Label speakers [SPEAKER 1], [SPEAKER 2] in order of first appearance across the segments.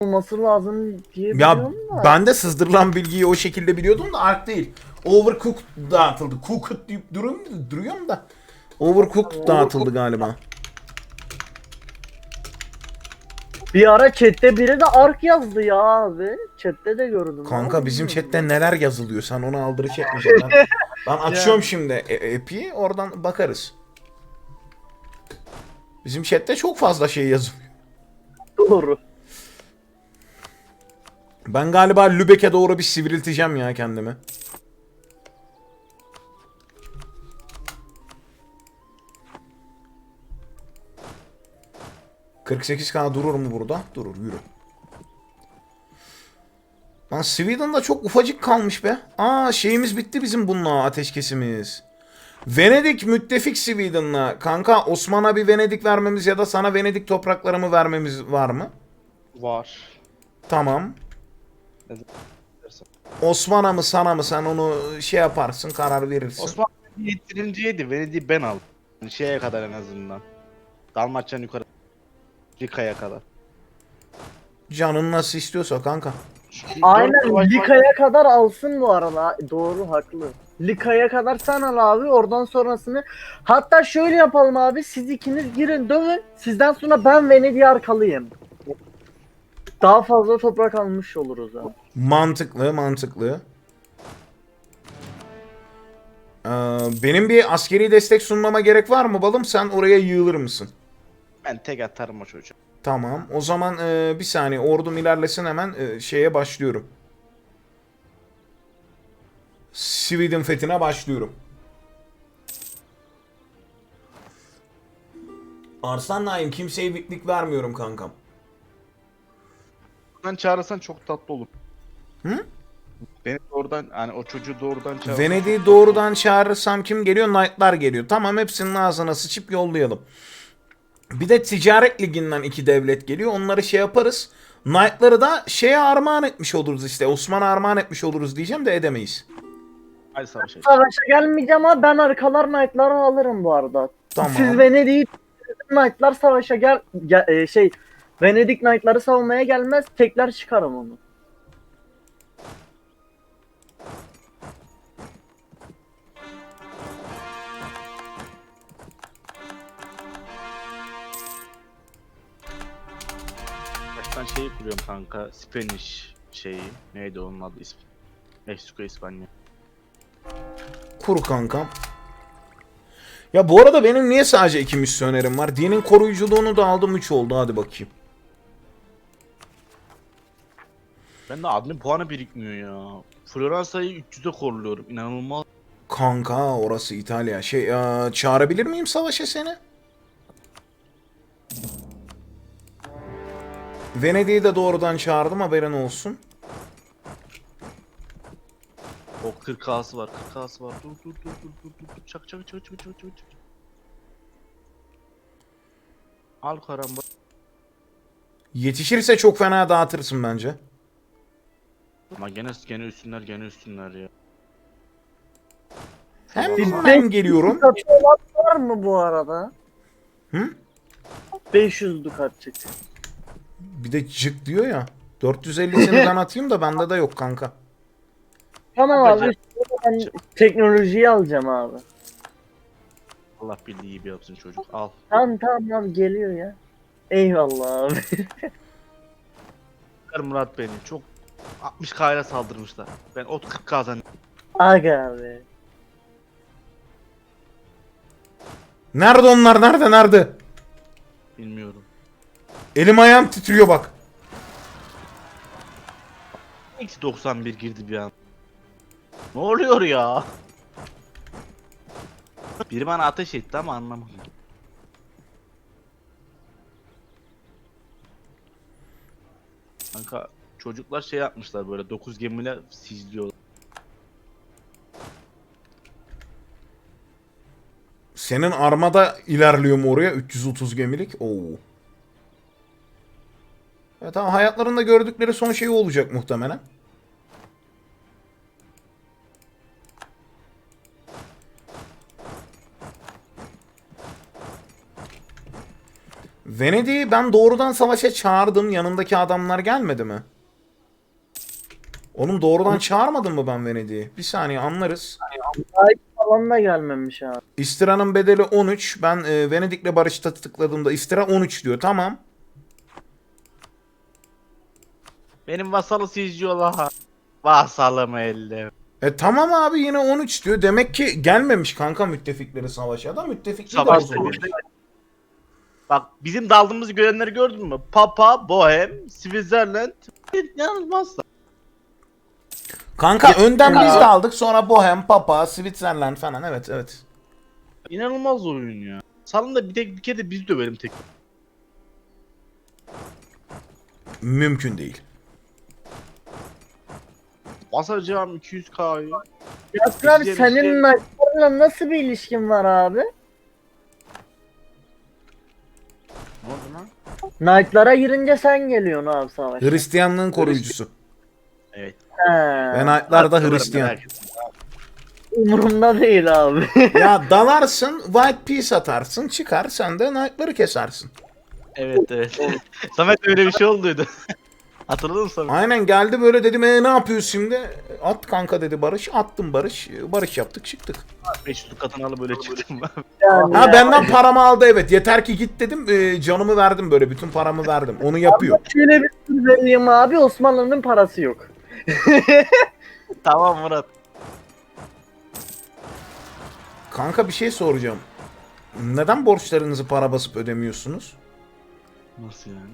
[SPEAKER 1] olması lazım diye
[SPEAKER 2] Ya
[SPEAKER 1] biliyorum da.
[SPEAKER 2] ben de sızdırılan bilgiyi o şekilde biliyordum da Ark değil. Overcooked dağıtıldı. Cooked deyip duruyorum da. Overcooked dağıtıldı galiba.
[SPEAKER 1] Bir ara chatte biri de Ark yazdı ya abi. Chatte de gördüm. Ne
[SPEAKER 2] Kanka
[SPEAKER 1] oldu
[SPEAKER 2] bizim
[SPEAKER 1] bilmiyorum
[SPEAKER 2] chatte
[SPEAKER 1] ben.
[SPEAKER 2] neler yazılıyor. Sen onu aldırış etmeyeceksin. Ben açıyorum
[SPEAKER 1] Yani
[SPEAKER 2] şimdi app'i. Oradan bakarız. Bizim chatte çok fazla şey yazılıyor.
[SPEAKER 1] doğru.
[SPEAKER 2] Ben galiba Lübeck'e doğru bir sivrilteceğim ya kendimi. ...48K durur mu burada? Durur, yürü. Lan Sweden'da çok ufacık kalmış be. Aa, şeyimiz bitti bizim bununla, ateşkesimiz. Venedik müttefik Sweden'la. Kanka Osman'a bir Venedik vermemiz ya da sana Venedik topraklarımı vermemiz var mı?
[SPEAKER 3] Var.
[SPEAKER 2] Tamam.
[SPEAKER 3] Ne dersen.
[SPEAKER 2] Osman'a mı sana mı, sen onu şey yaparsın, karar verirsin.
[SPEAKER 3] Osmanlı yetirinciydi. Venedik'i ben aldım. Yani şeye kadar en azından. Dalmaçya'nın yukarı. Rika'ya kadar.
[SPEAKER 2] Canın nasıl istiyorsa kanka.
[SPEAKER 3] Çünkü
[SPEAKER 1] Aynen Lika'ya kadar alsın bu arada. Doğru, haklı. Lika'ya kadar sen al abi, oradan sonrasını. Hatta şöyle yapalım abi, siz ikiniz girin dövün. Sizden sonra ben Venedik'i arkalıyım. Daha fazla toprak almış oluruz abi.
[SPEAKER 2] Mantıklı, mantıklı. Benim bir askeri destek sunmama gerek var mı balım? Sen oraya yığılır mısın?
[SPEAKER 3] Ben tek atarım o çocuğa.
[SPEAKER 2] Tamam. O zaman bir saniye, ordum ilerlesin, hemen şeye başlıyorum. Sweden fethine başlıyorum. Arslan Naim, kimseye bitlik vermiyorum kankam.
[SPEAKER 3] Oradan çağırırsan çok tatlı olur.
[SPEAKER 2] Hı?
[SPEAKER 3] Beni doğrudan, hani o çocuğu doğrudan çağırırsan
[SPEAKER 2] Venedik'i
[SPEAKER 3] çok tatlı
[SPEAKER 2] doğrudan çağırırsam kim geliyor? Knight'lar geliyor. Tamam, hepsinin ağzına sıçıp yollayalım. Bir de ticaret liginden 2 devlet geliyor. Onları şey yaparız. Knight'ları da şeye armağan etmiş oluruz işte. Osman'a armağan etmiş oluruz diyeceğim de edemeyiz.
[SPEAKER 3] olur. Hadi savaşa.
[SPEAKER 1] Savaşa gelmeyeceğim ama ben arkalar Knight'ları alırım bu arada.
[SPEAKER 2] Tamam.
[SPEAKER 1] Siz Venedik'i Knight'lar savaşa Venedik Knight'ları savunmaya gelmez, tekrar çıkarım onu.
[SPEAKER 3] Baştan şeyi kuruyorum kanka. Spanish şeyi. Neydi onun adı ismi? Meksika, İspanya.
[SPEAKER 2] Kur kankam. Ya bu arada benim niye sadece 2 misyonerim var? Dinin koruyuculuğunu da aldım, 3 oldu, hadi bakayım.
[SPEAKER 3] Ben de admin puanı birikmiyor ya. Floransa'yı 300'e korluyorum. İnanılmaz.
[SPEAKER 2] Kanka orası İtalya. Çağırabilir miyim savaşa seni? Venedik'i de doğrudan çağırdım, haberin olsun.
[SPEAKER 3] O 40K'sı var, 40K'sı var. Dur. Çak. Al karamba.
[SPEAKER 2] Yetişirse çok fena dağıtırsın bence.
[SPEAKER 3] Ama gene üstünler ya.
[SPEAKER 2] Hemen geliyorum.
[SPEAKER 1] Dukatı olan var mı bu arada?
[SPEAKER 2] Hı?
[SPEAKER 1] 500 dukatçık.
[SPEAKER 2] Bir de cık diyor ya. 450'sini ben atayım da bende de yok kanka.
[SPEAKER 1] Tamam
[SPEAKER 3] Yapacak-
[SPEAKER 1] abi, ben teknolojiyi alacağım abi.
[SPEAKER 3] Allah bildiği gibi yapsın çocuk. Al.
[SPEAKER 1] Tamam abi, geliyor ya. Eyvallah abi.
[SPEAKER 3] Murat beni çok 60K ile saldırmışlar. Ben ot 40K'dan
[SPEAKER 1] Aga abi.
[SPEAKER 2] Nerede onlar? Nerede?
[SPEAKER 3] bilmiyorum.
[SPEAKER 2] Elim ayağım titriyor bak.
[SPEAKER 3] Eksi 91 girdi bir an. Ne oluyor ya? Biri bana ateş etti ama anlamadım. Kanka çocuklar şey yapmışlar, böyle 9 gemiyle sizliyorlar.
[SPEAKER 2] Senin armada ilerliyor mu oraya? 330 gemilik. Oo. Evet, tamam, hayatlarında gördükleri son şey olacak muhtemelen. Venedik'i ben doğrudan savaşa çağırdım. Yanındaki adamlar gelmedi mi? Oğlum doğrudan çağırmadım mı ben Venedik'i? Bir saniye anlarız.
[SPEAKER 1] Ay falan da gelmemiş abi.
[SPEAKER 2] İstira'nın bedeli 13. Ben Venedik'le barışta tıkladığımda İstira 13 diyor. Tamam.
[SPEAKER 3] Benim vasalı sizciyorlar. Vasalım elde.
[SPEAKER 2] Tamam abi yine 13 diyor. Demek ki gelmemiş kanka müttefikleri savaşa da. Müttefikleri de
[SPEAKER 3] Savaşta
[SPEAKER 2] bozulmuş.
[SPEAKER 3] Bak bizim daldığımızı görenleri gördün mü? Papa, Bohem, Switzerland. Yanılmazsa.
[SPEAKER 2] Kanka önden biz
[SPEAKER 1] Ya.
[SPEAKER 2] de aldık. Sonra Bohem, Papa, Switzerland falan. Evet evet.
[SPEAKER 3] İnanılmaz oyun ya. Salın da bir kere de biz dövelim tek.
[SPEAKER 2] Mümkün değil.
[SPEAKER 3] Basacağım 200K'yı.
[SPEAKER 1] Yasir abi
[SPEAKER 3] İşte-
[SPEAKER 1] senin Knight'larla nasıl bir ilişkin var abi?
[SPEAKER 3] Ne oldu lan?
[SPEAKER 1] Knight'lara girince sen geliyorsun abi savaşa.
[SPEAKER 2] Hristiyanlığın koruyucusu.
[SPEAKER 3] Evet.
[SPEAKER 1] He.
[SPEAKER 2] Ve Knight'lar da Hristiyan.
[SPEAKER 3] Merak etme.
[SPEAKER 1] Umurumda değil abi.
[SPEAKER 2] Ya dalarsın, White Peace atarsın, çıkar sen de Knight'ları kesersin.
[SPEAKER 3] Evet evet. Samet öyle bir şey olduydu. Hatırladın mı Samet?
[SPEAKER 2] Aynen geldi böyle dedim ne yapıyorsun şimdi? At kanka dedi Barış. Attım Barış. Barış yaptık çıktık.
[SPEAKER 3] 500 katını alıp böyle çıktım ben.
[SPEAKER 1] Yani
[SPEAKER 2] Ha
[SPEAKER 1] ya.
[SPEAKER 2] benden paramı aldı evet. Yeter ki git dedim. Canımı verdim böyle. Bütün paramı verdim. Onu yapıyor.
[SPEAKER 1] Şöyle bir sır vereyim abi, Osmanlı'nın parası yok.
[SPEAKER 3] Tamam Murat.
[SPEAKER 2] Kanka bir şey soracağım. Neden borçlarınızı para basıp ödemiyorsunuz?
[SPEAKER 3] Nasıl yani?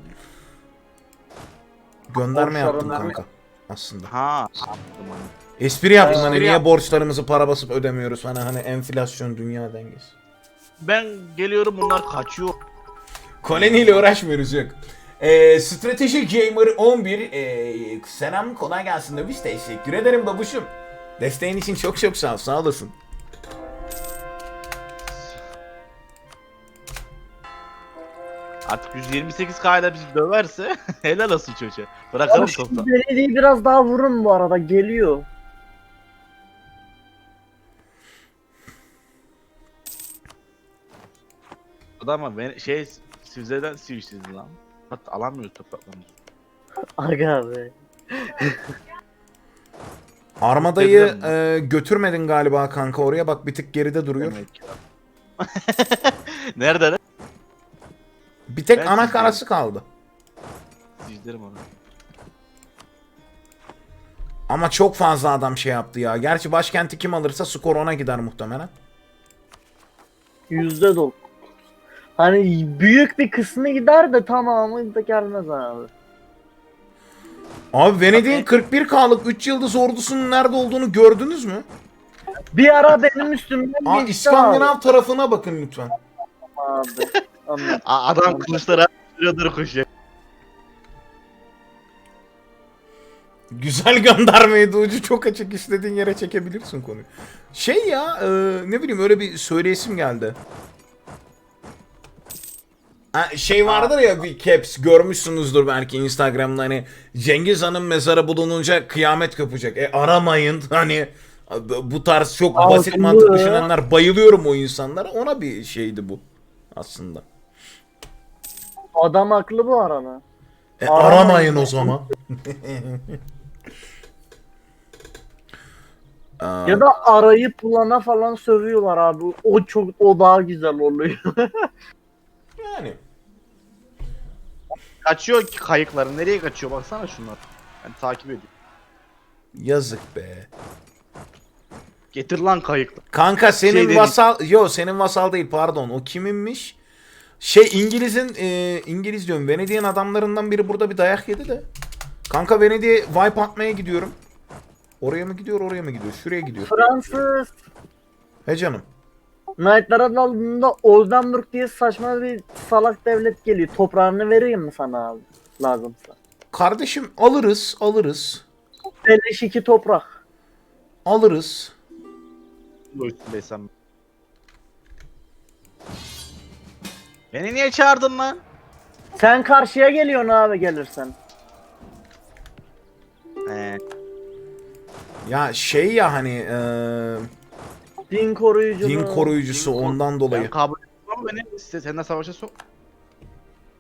[SPEAKER 2] Gönderme yaptım
[SPEAKER 1] Borçlarını-
[SPEAKER 2] kanka. Aslında.
[SPEAKER 3] Ha.
[SPEAKER 2] Espri yaptım hani
[SPEAKER 3] Espri
[SPEAKER 2] niye
[SPEAKER 3] yap-
[SPEAKER 2] borçlarımızı para basıp ödemiyoruz hani enflasyon dünya dengesi.
[SPEAKER 3] Ben geliyorum bunlar kaçıyor.
[SPEAKER 2] Koloniyle uğraşmıyoruz yok. Strateji Gamer 11 selam kolay gelsin demiş. Teşekkür ederim babuşum. Desteğin için çok çok sağ ol. Sağ olasın.
[SPEAKER 3] Artık 128K ile bizi döverse helal olsun çocuğa. Bırakalım
[SPEAKER 1] Abi şu
[SPEAKER 3] topla.
[SPEAKER 1] belediyeyi biraz daha vurun bu arada, geliyor.
[SPEAKER 3] Ama ben Sivze'den Sivişsiz lan. Hatta alamıyoruz topraklarımızı.
[SPEAKER 1] Aga abi.
[SPEAKER 2] Armadayı
[SPEAKER 3] Dedim.
[SPEAKER 2] götürmedin galiba kanka oraya bak bir tık geride duruyor.
[SPEAKER 3] Demek ki. Nerede lan?
[SPEAKER 2] Bir tek
[SPEAKER 3] Ben
[SPEAKER 2] ana
[SPEAKER 3] sizdenim.
[SPEAKER 2] karası kaldı.
[SPEAKER 3] Sivizlerim onu.
[SPEAKER 2] Ama çok fazla adam şey yaptı ya. Gerçi başkenti kim alırsa skor ona gider muhtemelen.
[SPEAKER 1] %9. Hani büyük bir kısmı gider de tamamı da gelmez abi.
[SPEAKER 2] Abi Venedik'in 41K'lık 3 yıldız ordusunun nerede olduğunu gördünüz mü?
[SPEAKER 1] Bir ara benim üstümden
[SPEAKER 2] Aa,
[SPEAKER 1] geçti
[SPEAKER 2] İskandinav tarafına bakın lütfen.
[SPEAKER 1] abi. Anladım.
[SPEAKER 3] Adam kılıçlara sürüyordur koşuyor.
[SPEAKER 2] Güzel göndermeydi ucu çok açık istediğin yere çekebilirsin konuyu. Şey ya ne bileyim öyle bir söyleyesim geldi. Ha, şey vardır ya bir caps görmüşsünüzdür belki Instagram'da hani Cengiz Han'ın mezarı bulununca kıyamet kopacak. Aramayın hani bu tarz çok basit
[SPEAKER 1] Haklı.
[SPEAKER 2] mantık düşünenler bayılıyorum o insanlara ona bir şeydi bu aslında.
[SPEAKER 1] Adam haklı bu arada.
[SPEAKER 2] Aramayın o zaman. Aa,
[SPEAKER 1] Ya da arayıp bulana falan sövüyorlar abi. O daha güzel oluyor.
[SPEAKER 2] yani.
[SPEAKER 3] Kaçıyor ki kayıkları. Nereye kaçıyor baksana şunlar. Ben takip ediyorum.
[SPEAKER 2] Yazık be.
[SPEAKER 3] Getir lan kayıkları.
[SPEAKER 2] Kanka senin
[SPEAKER 3] Şey dedi-
[SPEAKER 2] vasal... Yo senin vasal değil pardon. O kiminmiş? Şey İngiliz'in... İngiliz diyorum. Venedik'in adamlarından biri burada bir dayak yedi de. Kanka Venedik'e wipe atmaya gidiyorum. Oraya mı gidiyor oraya mı gidiyor? Şuraya gidiyor.
[SPEAKER 1] Fransız
[SPEAKER 2] He canım.
[SPEAKER 1] Knight'lara daldığında Oldenburg diye saçma bir salak devlet geliyor. Toprağını vereyim mi sana abi? Lazımsa.
[SPEAKER 2] Kardeşim alırız alırız.
[SPEAKER 1] 52 toprak.
[SPEAKER 2] Alırız.
[SPEAKER 3] Bu üstündeysem. Beni niye çağırdın lan?
[SPEAKER 1] Sen karşıya geliyorsun abi gelirsen.
[SPEAKER 2] Ya şey ya hani
[SPEAKER 1] Din koruyucu.
[SPEAKER 2] din koruyucusu
[SPEAKER 3] Din kor-
[SPEAKER 2] ondan dolayı.
[SPEAKER 3] Ben kabul etmem beni seninle savaşa sok.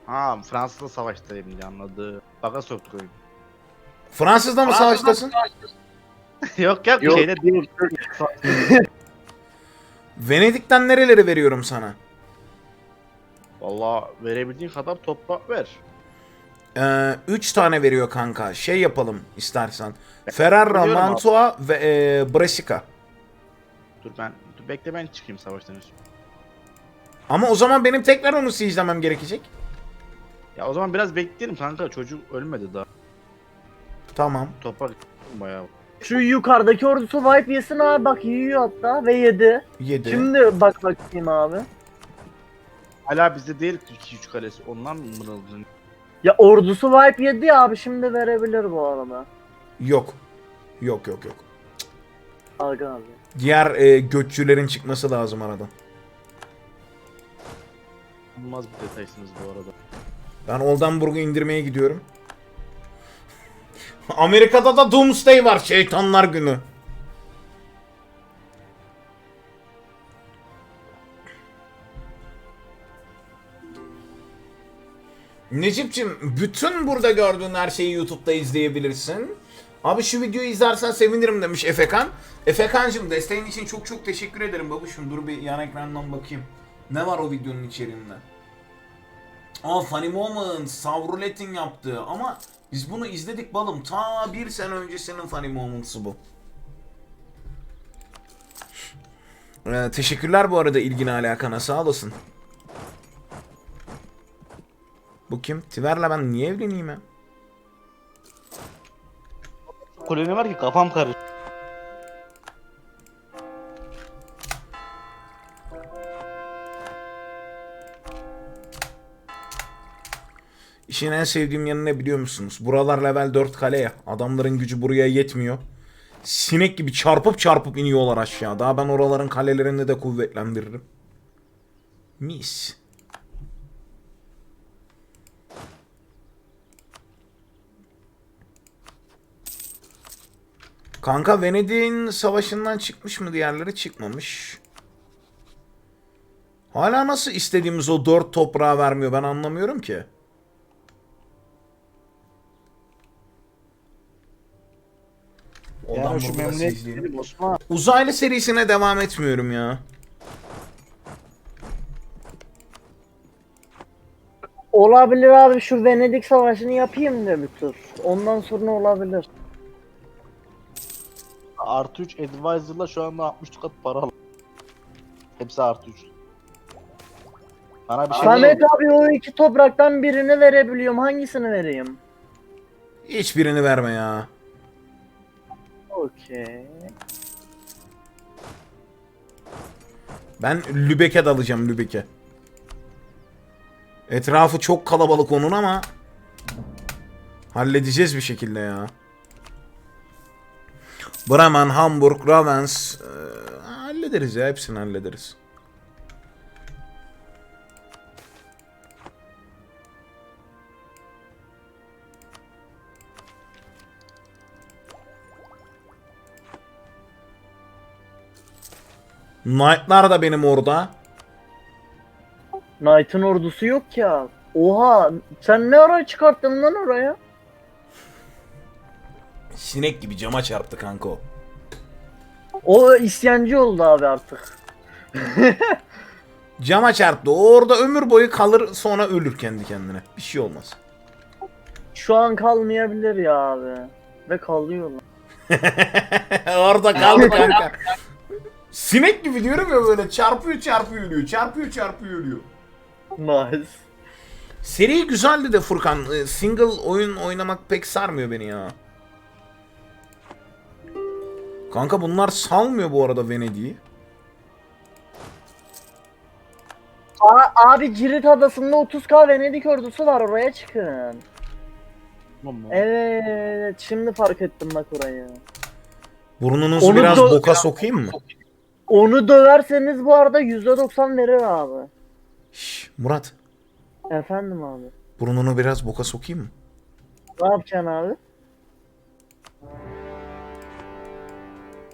[SPEAKER 3] Ha, Fransız'la savaştayım diye anladı. Baka soktuk oyunu.
[SPEAKER 2] Fransız'da mı savaştasın?
[SPEAKER 3] Yok yok,
[SPEAKER 1] Yok.
[SPEAKER 3] şeyde değil.
[SPEAKER 2] Venedik'ten nereleri veriyorum sana?
[SPEAKER 3] Valla verebildiğin kadar toprak ver.
[SPEAKER 2] 3 tane veriyor kanka. Şey yapalım istersen. Ferrara,
[SPEAKER 3] Biliyorum abi.
[SPEAKER 2] Mantua ve Brescia.
[SPEAKER 3] Dur bekle, ben çıkayım savaştan önce.
[SPEAKER 2] Ama o zaman benim tekrar onu siege'lemem gerekecek.
[SPEAKER 3] Ya o zaman biraz bekleyelim kanka, çocuk ölmedi daha.
[SPEAKER 2] Tamam.
[SPEAKER 3] Toprak bayağı.
[SPEAKER 1] Şu yukarıdaki ordusu wipe yesin abi, bak yiyor hatta ve yedi.
[SPEAKER 2] 7.
[SPEAKER 1] Şimdi bak bakayım abi.
[SPEAKER 3] Hala bizde değil 2-3 kalesi, ondan mı mırıldın?
[SPEAKER 1] Ya ordusu wipe yedi ya abi, şimdi verebilir bu arada.
[SPEAKER 2] Yok. Yok.
[SPEAKER 1] Aga abi.
[SPEAKER 2] Diğer göççülerin çıkması lazım aradan.
[SPEAKER 3] Olmaz bir detaysınız bu arada.
[SPEAKER 2] Ben Oldenburg'u indirmeye gidiyorum. Amerika'da da Doomsday var. Şeytanlar günü. Necip'cim, bütün burada gördüğün her şeyi YouTube'da izleyebilirsin. Abi şu videoyu izlersen sevinirim demiş Efekan. Efekancım, desteğin için çok çok teşekkür ederim babuşum. Dur bir yan ekrandan bakayım. Ne var o videonun içeriğinde? Aa, Funny Moments, Savrulet'in yaptığı, ama biz bunu izledik balım. Ta bir sene öncesinin Funny Moments'ı bu. Teşekkürler bu arada ilgine alakana, sağ olasın. Bu kim? Tiver'le ben niye evleneyim ya?
[SPEAKER 3] Koloni var ki kafam karıştı.
[SPEAKER 2] İşin en sevdiğim yanı ne biliyor musunuz? Buralar level 4 kale ya. Adamların gücü buraya yetmiyor. Sinek gibi çarpıp çarpıp iniyorlar aşağı. Daha ben oraların kalelerini de kuvvetlendiririm. Mis. Kanka, Venedik'in savaşından çıkmış mı diğerleri? Çıkmamış. Hala nasıl istediğimiz o 4 toprağı vermiyor, ben anlamıyorum ki.
[SPEAKER 3] Ya şu
[SPEAKER 2] burada
[SPEAKER 3] memleket
[SPEAKER 2] izleyelim.
[SPEAKER 3] benim Osman.
[SPEAKER 2] Uzaylı serisine devam etmiyorum ya.
[SPEAKER 1] Olabilir abi, şu Venedik savaşını yapayım da bir tur. Ondan sonra olabilir.
[SPEAKER 3] Artı 3 Advisor'la şu anda 60 kat para al. Hepsi artı 3. Bana bir şey
[SPEAKER 1] Samet
[SPEAKER 3] değil.
[SPEAKER 1] abi, o iki topraktan birini verebiliyorum. Hangisini vereyim?
[SPEAKER 2] Hiçbirini verme ya.
[SPEAKER 1] Okey.
[SPEAKER 2] Ben Lübeck'e dalacağım, Lübeck'e. Etrafı çok kalabalık onun ama halledeceğiz bir şekilde ya. Bremen, Hamburg, Ravens, hallederiz ya, hepsini hallederiz. Knight'lar da benim orada.
[SPEAKER 1] Knight'ın ordusu yok ya. Oha, sen ne ara çıkarttın lan oraya?
[SPEAKER 2] Sinek gibi cama çarptı kanka o.
[SPEAKER 1] O isyancı oldu abi artık.
[SPEAKER 2] Cama çarptı. O orada ömür boyu kalır, sonra ölür kendi kendine. Bir şey olmaz.
[SPEAKER 1] Şu an kalmayabilir ya abi. Ve kalıyorlar.
[SPEAKER 2] Orada kaldı kanka. Sinek gibi diyorum ya, böyle çarpıyor çarpıyor ölüyor. Çarpıyor çarpıyor ölüyor.
[SPEAKER 1] Nice.
[SPEAKER 2] Seri güzeldi de Furkan. Single oyun oynamak pek sarmıyor beni ya. Kanka bunlar salmıyor bu arada Venedik'i.
[SPEAKER 1] Abi Cirit Adası'nda 30k Venedik ordusu var, oraya çıkın.
[SPEAKER 3] Tamam mı?
[SPEAKER 1] Evet, şimdi fark ettim bak orayı.
[SPEAKER 2] Burnunuzu
[SPEAKER 1] Onu
[SPEAKER 2] biraz
[SPEAKER 1] da-
[SPEAKER 2] boka sokayım mı?
[SPEAKER 1] Onu döverseniz bu arada %90 verir abi.
[SPEAKER 2] Şş, Murat.
[SPEAKER 1] Efendim abi.
[SPEAKER 2] Burnunu biraz boka sokayım mı?
[SPEAKER 1] Ne yapacaksın abi?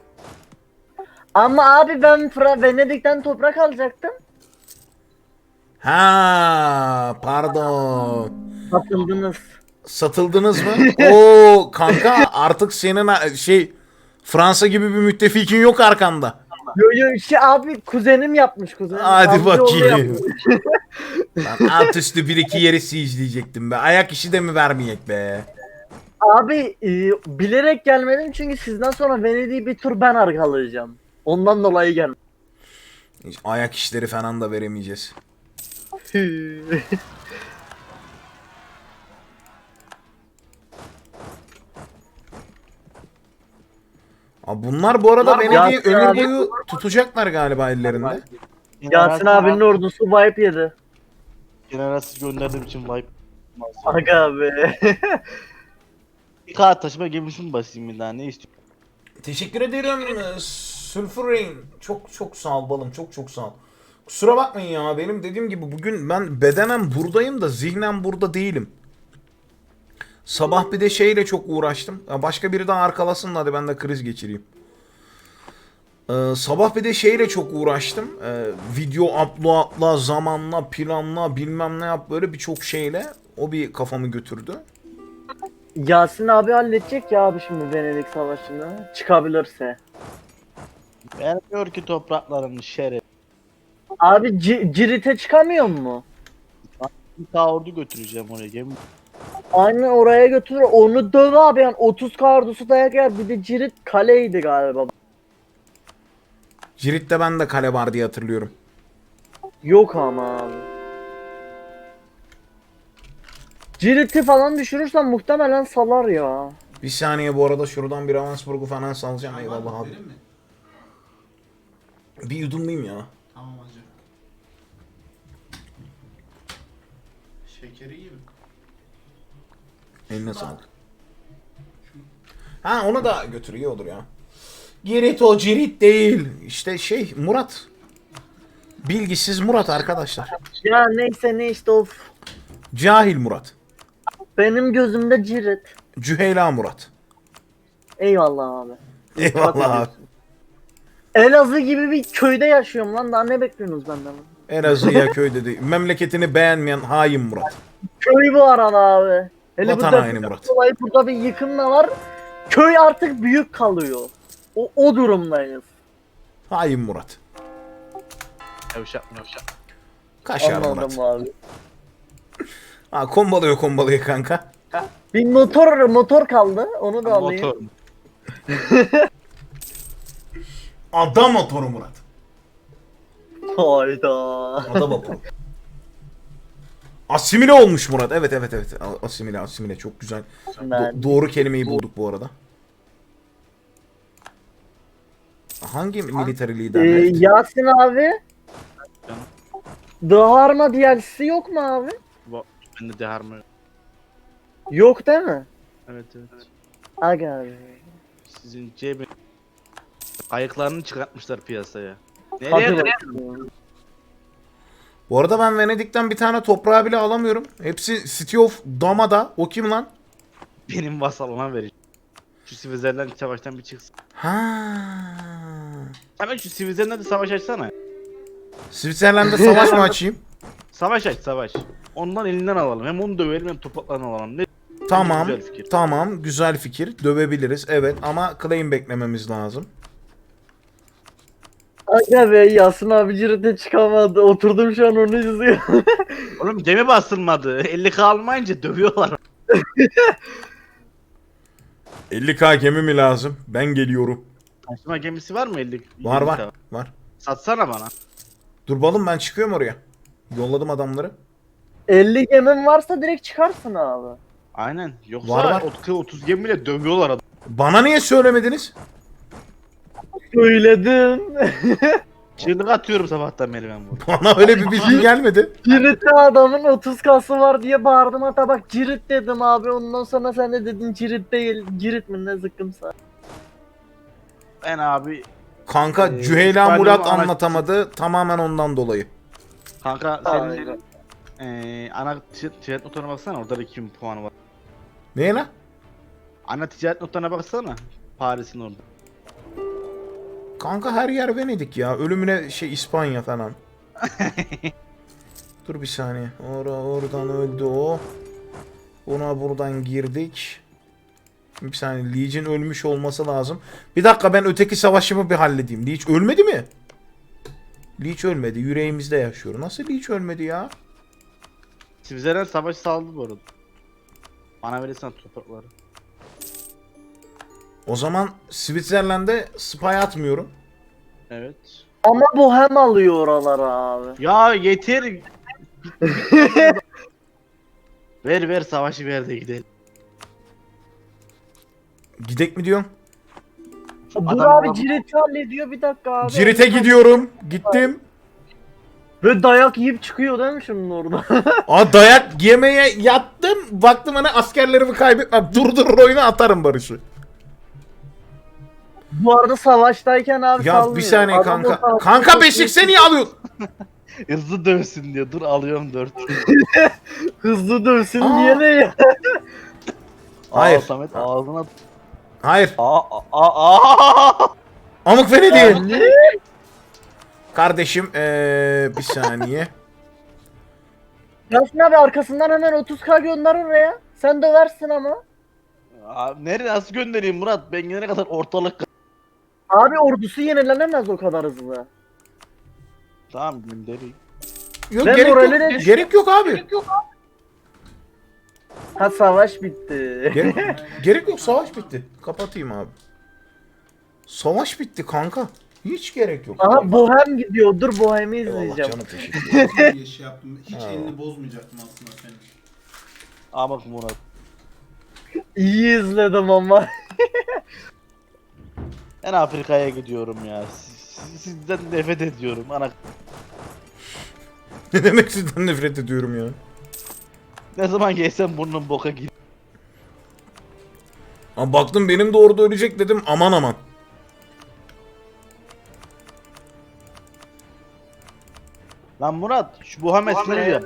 [SPEAKER 1] Ama abi ben Venedik'ten toprak alacaktım.
[SPEAKER 2] Ha, pardon.
[SPEAKER 1] Satıldınız.
[SPEAKER 2] Satıldınız mı? Oo kanka, artık senin Fransa gibi bir müttefikin yok arkanda.
[SPEAKER 1] Yo abi kuzenim yapmış kuzenim.
[SPEAKER 2] Hadi
[SPEAKER 1] Amcaoğlu
[SPEAKER 2] bakayım.
[SPEAKER 1] yapmış.
[SPEAKER 2] Lan alt üstü bir iki yeri siege'leyecektim be. Ayak işi de mi vermeyek be?
[SPEAKER 1] Abi bilerek gelmedim çünkü sizden sonra Venedik'i bir tur ben arkalayacağım. Ondan dolayı geldim.
[SPEAKER 2] Hiç ayak işleri falan da veremeyeceğiz. Abi bunlar bu arada Venedik'i
[SPEAKER 1] Yasin
[SPEAKER 2] ömür
[SPEAKER 1] abi-
[SPEAKER 2] boyu tutacaklar galiba ellerinde.
[SPEAKER 1] Yasin abinin ordusu wipe yedi.
[SPEAKER 3] Generalsiz gönderdiğim için wipe.
[SPEAKER 1] Aga be.
[SPEAKER 3] Bir kağıt taşıma gemisini basayım bir daha ne istiyorsun?
[SPEAKER 2] Teşekkür ederim Sulfur Rain. Çok çok sağ ol balım, çok çok sağ ol. Kusura bakmayın ya, benim dediğim gibi bugün ben bedenen buradayım da zihnen burada değilim. Sabah bir de şeyle çok uğraştım. Ya başka biri daha arkalasın da hadi ben de kriz geçireyim. Sabah bir de şeyle çok uğraştım. Video uploadla, zamanla, planla, bilmem ne yap, böyle birçok şeyle. O bir kafamı götürdü.
[SPEAKER 1] Yasin abi halledecek ya abi şimdi Venedik Savaşı'nı. Çıkabilirse.
[SPEAKER 3] Vermiyor ki topraklarını şeref.
[SPEAKER 1] Abi Cirit'e çıkamıyor mu?
[SPEAKER 3] Bir daha ordu götüreceğim oraya gemi.
[SPEAKER 1] Aynen oraya götürür. Onu döv abi yani 30 kardusu dayak yer. Bir de Cirit kaleydi galiba.
[SPEAKER 2] Cirit'te ben de kale var diye hatırlıyorum.
[SPEAKER 1] Yok ama abi. Cirit'i falan düşürürsen muhtemelen salar ya.
[SPEAKER 2] Bir saniye, bu arada şuradan bir Ravensburg'u falan salacağım. Eyvallah abi.
[SPEAKER 4] Verir mi?
[SPEAKER 2] Bir yudumlayayım ya.
[SPEAKER 4] Tamam hacı. Şekeri iyi mi?
[SPEAKER 2] Eline sağlık. Ha, onu da götür, iyi olur ya. Girit o Cirit değil. İşte Murat. Bilgisiz Murat arkadaşlar.
[SPEAKER 1] Ya neyse ne işte of.
[SPEAKER 2] Cahil Murat.
[SPEAKER 1] Benim gözümde Cirit.
[SPEAKER 2] Cüheyla Murat.
[SPEAKER 1] Eyvallah abi.
[SPEAKER 2] Eyvallah abi.
[SPEAKER 1] Elazığ gibi bir köyde yaşıyorum lan. Daha ne bekliyorsunuz benden?
[SPEAKER 2] Elazığ'a köyde değil. Memleketini beğenmeyen hain Murat.
[SPEAKER 1] Köy bu arada abi. Hele
[SPEAKER 2] Vatan
[SPEAKER 1] bu
[SPEAKER 2] haini
[SPEAKER 1] deprem
[SPEAKER 2] Murat.
[SPEAKER 1] dolayı burada bir yıkım da var. Köy artık büyük kalıyor. O durumdayız.
[SPEAKER 2] Hain Murat.
[SPEAKER 3] Yavşak.
[SPEAKER 2] Kaşar Murat.
[SPEAKER 1] Anladım abi.
[SPEAKER 2] Ha, kombalıyor kanka.
[SPEAKER 1] Bir motor kaldı. Onu da alayım.
[SPEAKER 3] Motor.
[SPEAKER 2] Adam motoru Murat.
[SPEAKER 1] Hayda.
[SPEAKER 2] Adam motoru. Asimile olmuş Murat. Evet. Asimile çok güzel.
[SPEAKER 1] Ben-
[SPEAKER 2] Doğru kelimeyi bulduk bu arada. Hangi military lider?
[SPEAKER 1] Yasin abi. The Harma DLC'si yok mu abi?
[SPEAKER 3] Bende de harma yok.
[SPEAKER 1] Yok değil mi?
[SPEAKER 3] Evet.
[SPEAKER 1] Aga abi.
[SPEAKER 3] Sizin cebi. Ayıklarını çıkartmışlar piyasaya.
[SPEAKER 1] Hadi
[SPEAKER 3] Nereye
[SPEAKER 1] bakayım.
[SPEAKER 2] Bu arada ben Venedik'ten bir tane toprağı bile alamıyorum. Hepsi City of Dama'da. O kim lan?
[SPEAKER 3] benim vasalına vereceğim. Şu Sivizlerden savaştan bir çıksın.
[SPEAKER 2] Ha.
[SPEAKER 3] Hemen şu Sivizlerden de savaş açsana.
[SPEAKER 2] Switzerland'da savaş mı açayım?
[SPEAKER 3] Savaş aç savaş. Ondan elinden alalım. Hem onu dövelim hem topraklarını alalım. Ne?
[SPEAKER 2] Tamam.
[SPEAKER 3] Güzel fikir.
[SPEAKER 2] Tamam. Güzel fikir. Dövebiliriz. Evet ama claim beklememiz lazım.
[SPEAKER 1] Aga be Yasin abi Cirit'e çıkamadı. Oturdum şu an onu izliyorum.
[SPEAKER 3] Oğlum gemi basılmadı. 50k almayınca dövüyorlar.
[SPEAKER 2] 50k gemi mi lazım? Ben geliyorum.
[SPEAKER 3] Taşıma gemisi var mı 50?
[SPEAKER 2] Var
[SPEAKER 3] 50K?
[SPEAKER 2] var.
[SPEAKER 3] Satsana bana.
[SPEAKER 2] Dur balım, ben çıkıyorum oraya. Yolladım adamları.
[SPEAKER 1] 50 gemin varsa direkt çıkarsın abi.
[SPEAKER 3] Aynen. Yoksa
[SPEAKER 2] Var.
[SPEAKER 3] 30 gemiyle dövüyorlar adam.
[SPEAKER 2] Bana niye söylemediniz?
[SPEAKER 1] Söyledim.
[SPEAKER 3] Çığlık atıyorum sabahtan beri ben burada.
[SPEAKER 2] Bana öyle bir bilgi gelmedi.
[SPEAKER 1] Cirit'te adamın 30 kası var diye bağırdım, hatta bak Cirit dedim abi, ondan sonra sen de dedin Cirit değil, Cirit mi ne zıkkımsa.
[SPEAKER 3] Ben abi
[SPEAKER 2] Kanka Cüheyla
[SPEAKER 3] İspanyol
[SPEAKER 2] Murat
[SPEAKER 3] ana-
[SPEAKER 2] anlatamadı. Tamamen ondan dolayı.
[SPEAKER 3] kanka
[SPEAKER 1] Aynen.
[SPEAKER 3] senin ana ticaret notlarına baksana orada da 2000 puanı var.
[SPEAKER 2] Neye lan?
[SPEAKER 3] Ana ticaret notlarına baksana. Paris'in orada.
[SPEAKER 2] Kanka her yer Venedik ya. Ölümüne İspanya falan. Dur bir saniye. Oradan öldü o. Ona buradan girdik. Bir saniye. Leech'in ölmüş olması lazım. Bir dakika ben öteki savaşımı bir halledeyim. Leech ölmedi mi? Leech ölmedi. Yüreğimizde yaşıyor. Nasıl Leech ölmedi ya?
[SPEAKER 3] Sivizlerden savaş saldı bu arada. Bana verirsen toprakları.
[SPEAKER 2] O zaman Switzerland'e spy atmıyorum.
[SPEAKER 3] Evet.
[SPEAKER 1] Ama Bohem alıyor oraları abi.
[SPEAKER 3] Ya yeter. Ver savaşı ver de gidelim.
[SPEAKER 2] Gidek mi diyorsun?
[SPEAKER 1] Dur
[SPEAKER 3] Adam-
[SPEAKER 1] abi Cirit'i hallediyor bir dakika abi.
[SPEAKER 2] Cirit'e gidiyorum. Gittim.
[SPEAKER 1] Ve dayak yiyip çıkıyor değil mi şimdi orada?
[SPEAKER 2] Dayak yemeye yattım. Baktım hani askerlerimi kaybetmem. Durdurur oyunu atarım Barış'ı.
[SPEAKER 1] Bu arada savaştayken abi
[SPEAKER 2] Ya
[SPEAKER 1] sallıyor.
[SPEAKER 2] bir saniye
[SPEAKER 1] Adam
[SPEAKER 2] kanka.
[SPEAKER 1] o savaşta
[SPEAKER 2] Kanka
[SPEAKER 1] çok
[SPEAKER 2] Beşik
[SPEAKER 1] iyi-
[SPEAKER 2] sen niye alıyorsun?
[SPEAKER 3] Hızlı dövsün diyor. Dur alıyorum 4.
[SPEAKER 1] Hızlı dövsün
[SPEAKER 2] Aa.
[SPEAKER 1] diye ne ya?
[SPEAKER 2] Hayır.
[SPEAKER 3] Samet ağzına.
[SPEAKER 2] Hayır.
[SPEAKER 3] Aa.
[SPEAKER 2] Amık Venedik'in.
[SPEAKER 1] Ne?
[SPEAKER 2] Kardeşim bir saniye.
[SPEAKER 1] Yasin abi arkasından hemen 30k gönder oraya. Sen döversin ama.
[SPEAKER 3] Abi nereye nasıl göndereyim Murat? Ben gelene kadar ortalık.
[SPEAKER 1] Abi ordusu yenilenemez o kadar hızlı.
[SPEAKER 3] Tamam göndereyim.
[SPEAKER 2] Yok
[SPEAKER 1] Ben
[SPEAKER 2] gerek
[SPEAKER 1] morali
[SPEAKER 2] yok.
[SPEAKER 1] de-
[SPEAKER 2] Gerek yok abi.
[SPEAKER 1] Ha savaş bitti.
[SPEAKER 2] Gerek yok, savaş bitti. Kapatayım abi. Savaş bitti kanka. Hiç gerek yok.
[SPEAKER 1] Aha Bohem gidiyor. Dur Bohem'i
[SPEAKER 2] Eyvallah
[SPEAKER 1] izleyeceğim.
[SPEAKER 2] canım, teşekkür ederim.
[SPEAKER 4] diye şey yaptım. Hiç
[SPEAKER 2] Ha.
[SPEAKER 4] elini bozmayacaktım aslında senin.
[SPEAKER 3] Aa bak Murat.
[SPEAKER 1] İyi izledim ama.
[SPEAKER 3] Ben Afrika'ya gidiyorum ya. Sizden nefret ediyorum. Ana
[SPEAKER 2] Ne demek sizden nefret ediyorum ya.
[SPEAKER 3] ne zaman gelsem burnum boka gidiyor.
[SPEAKER 2] Ama baktım benim de orada ölecek dedim, aman aman.
[SPEAKER 3] Lan Murat şu Muhammed sınır yap.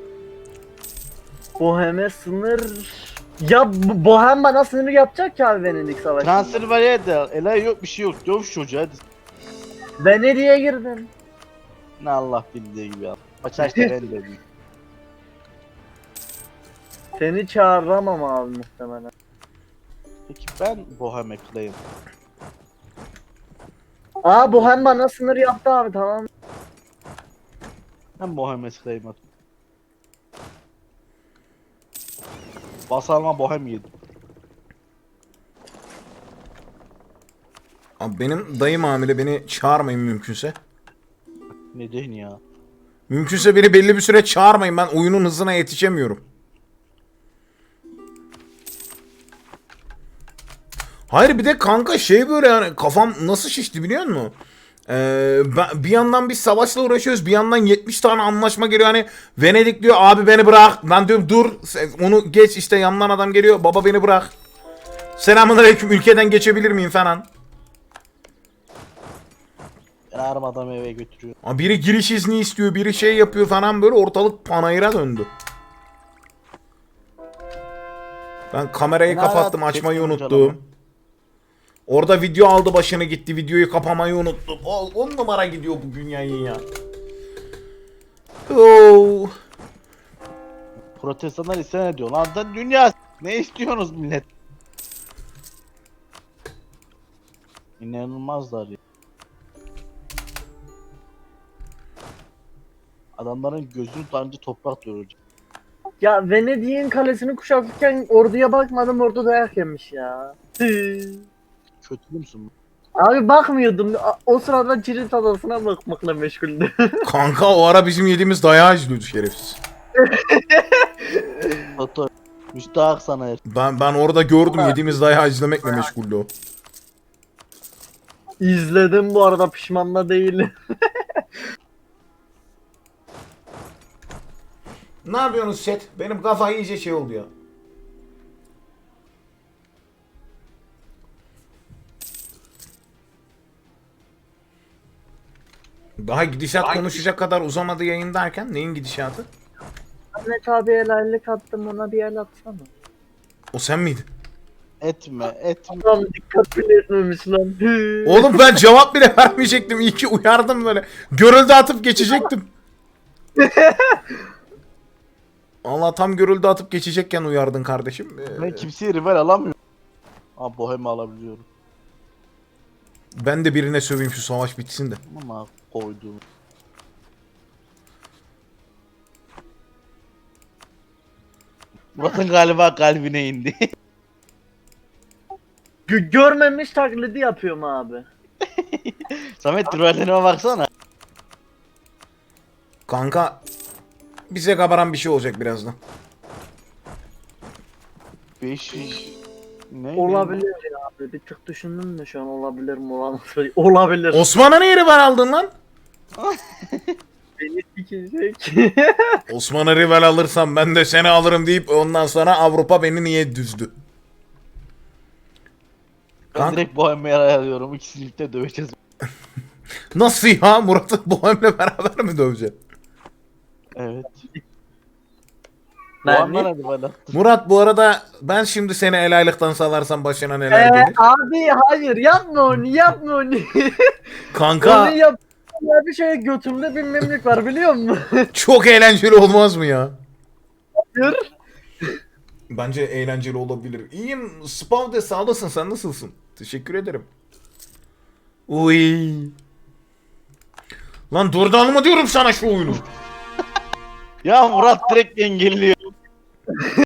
[SPEAKER 1] Bohem'e sınır... Ya Bohem bana sınır yapacak ki abi Venedik Savaşı'nda.
[SPEAKER 3] Transylvanya'ya da elay yok bir şey yok. Döv şu çocuğu hadi.
[SPEAKER 1] Venedik'e girdim.
[SPEAKER 3] Ne Allah bildiği gibi ya. Açaçta ben de büyük.
[SPEAKER 1] Seni çağıramam abi muhtemelen.
[SPEAKER 3] Peki ben Bohem'e claim.
[SPEAKER 1] Aa Bohem bana sınır yaptı abi tamam.
[SPEAKER 3] Ben Muhammed claim at. Basalma Bohem yedim.
[SPEAKER 2] Abi benim dayım hamile, beni çağırmayın mümkünse.
[SPEAKER 3] Neden ya?
[SPEAKER 2] Mümkünse beni belli bir süre çağırmayın, ben oyunun hızına yetişemiyorum. Hayır bir de kanka şey böyle yani kafam nasıl şişti biliyor musun? Bir yandan bir savaşla uğraşıyoruz, bir yandan 70 tane anlaşma geliyor, hani Venedik diyor abi beni bırak, ben diyorum dur onu geç, işte yandan adam geliyor baba beni bırak, selamünaleyküm ülkeden geçebilir miyim falan.
[SPEAKER 3] Ben aramadan eve götürüyorum.
[SPEAKER 2] Abi biri giriş izni istiyor, biri şey yapıyor falan, böyle ortalık panayıra döndü. Ben kamerayı
[SPEAKER 3] Ben
[SPEAKER 2] kapattım,
[SPEAKER 3] hala
[SPEAKER 2] açmayı
[SPEAKER 3] teknoloji
[SPEAKER 2] unuttum.
[SPEAKER 3] alamam.
[SPEAKER 2] Orada video aldı başını gitti, videoyu kapamayı unuttum. 10 numara gidiyor bugün yayın ya. Oo.
[SPEAKER 3] Protestanlar isyan ediyor. Lan da dünya ne istiyorsunuz millet? İnanılmazlar ya. Adamların gözünü tanrıcı toprak doğuracak.
[SPEAKER 1] Ya Venedik'in kalesini kuşatırken orduya bakmadım ordu dayak yemiş ya.
[SPEAKER 3] Kötü müsün?
[SPEAKER 1] Abi bakmıyordum. O sırada Cirit adasına bakmakla meşguldüm.
[SPEAKER 2] Kanka o ara bizim yediğimiz dayağı izliyordu şerefsiz.
[SPEAKER 3] Toto. Müstahak sana her.
[SPEAKER 2] Ben orada gördüm, yediğimiz dayağı izlemekle meşguldü o.
[SPEAKER 1] İzledim bu arada pişman da değilim.
[SPEAKER 2] Ne yapıyorsunuz chat? Benim kafa iyice şey oldu ya. Daha gidişat konuşacak kadar uzamadı yayın derken neyin gidişatı?
[SPEAKER 1] Ahmet abi helallik attım ona bir el atsana.
[SPEAKER 2] O sen miydin?
[SPEAKER 3] Etme.
[SPEAKER 1] Adam dikkat bile etmemiş lan.
[SPEAKER 2] Oğlum ben cevap bile vermeyecektim. İyi ki uyardım böyle. Görüldü atıp geçecektim. Allah tam görüldü atıp geçecekken uyardın kardeşim.
[SPEAKER 3] Ben kimseye rival alamıyorum. Ama Bohem'i alabiliyorum.
[SPEAKER 2] Ben de birine söveyim şu savaş bitsin de.
[SPEAKER 3] Ama koyduğum. Murat'ın galiba kalbine indi.
[SPEAKER 1] Görmemiş taklidi yapıyorum abi.
[SPEAKER 3] Samet rivallerime baksana.
[SPEAKER 2] Kanka bize kabaran bir şey olacak birazdan.
[SPEAKER 3] 500... Ne?
[SPEAKER 1] Olabilir ya abi. Bir tık düşündüm de şu an olabilir mi olamaz mı? Olabilir.
[SPEAKER 2] Osman'a niye rival aldın lan?
[SPEAKER 1] Beni sikecek.
[SPEAKER 2] Osman'a rival alırsam ben de seni alırım deyip ondan sonra Avrupa beni niye düzdü?
[SPEAKER 3] Ben
[SPEAKER 2] Kanka,
[SPEAKER 3] direkt Bohem'i ayarlıyorum. İkisini birlikte döveceğiz.
[SPEAKER 2] nasıl ya? Murat'ı Bohem'le beraber mi döveceksin?
[SPEAKER 3] Evet.
[SPEAKER 1] Ben
[SPEAKER 3] Bohem'den
[SPEAKER 1] mi?
[SPEAKER 3] hadi bana.
[SPEAKER 2] Murat bu arada ben şimdi seni el aylıktan salarsam başına neler gelir?
[SPEAKER 1] Abi hayır yapma onu yapma onu.
[SPEAKER 2] Kanka
[SPEAKER 1] Onu yap. Ya bir şey götümde bir memlük var biliyor musun?
[SPEAKER 2] çok eğlenceli olmaz mı ya?
[SPEAKER 1] Hayır.
[SPEAKER 2] Bence eğlenceli olabilir. İyiyim. Spavde sağ olasın. Sen nasılsın? Teşekkür ederim. Uy. Lan durduralım mı diyorum sana şu oyunu?
[SPEAKER 3] Ya Murat direkt engelliyor.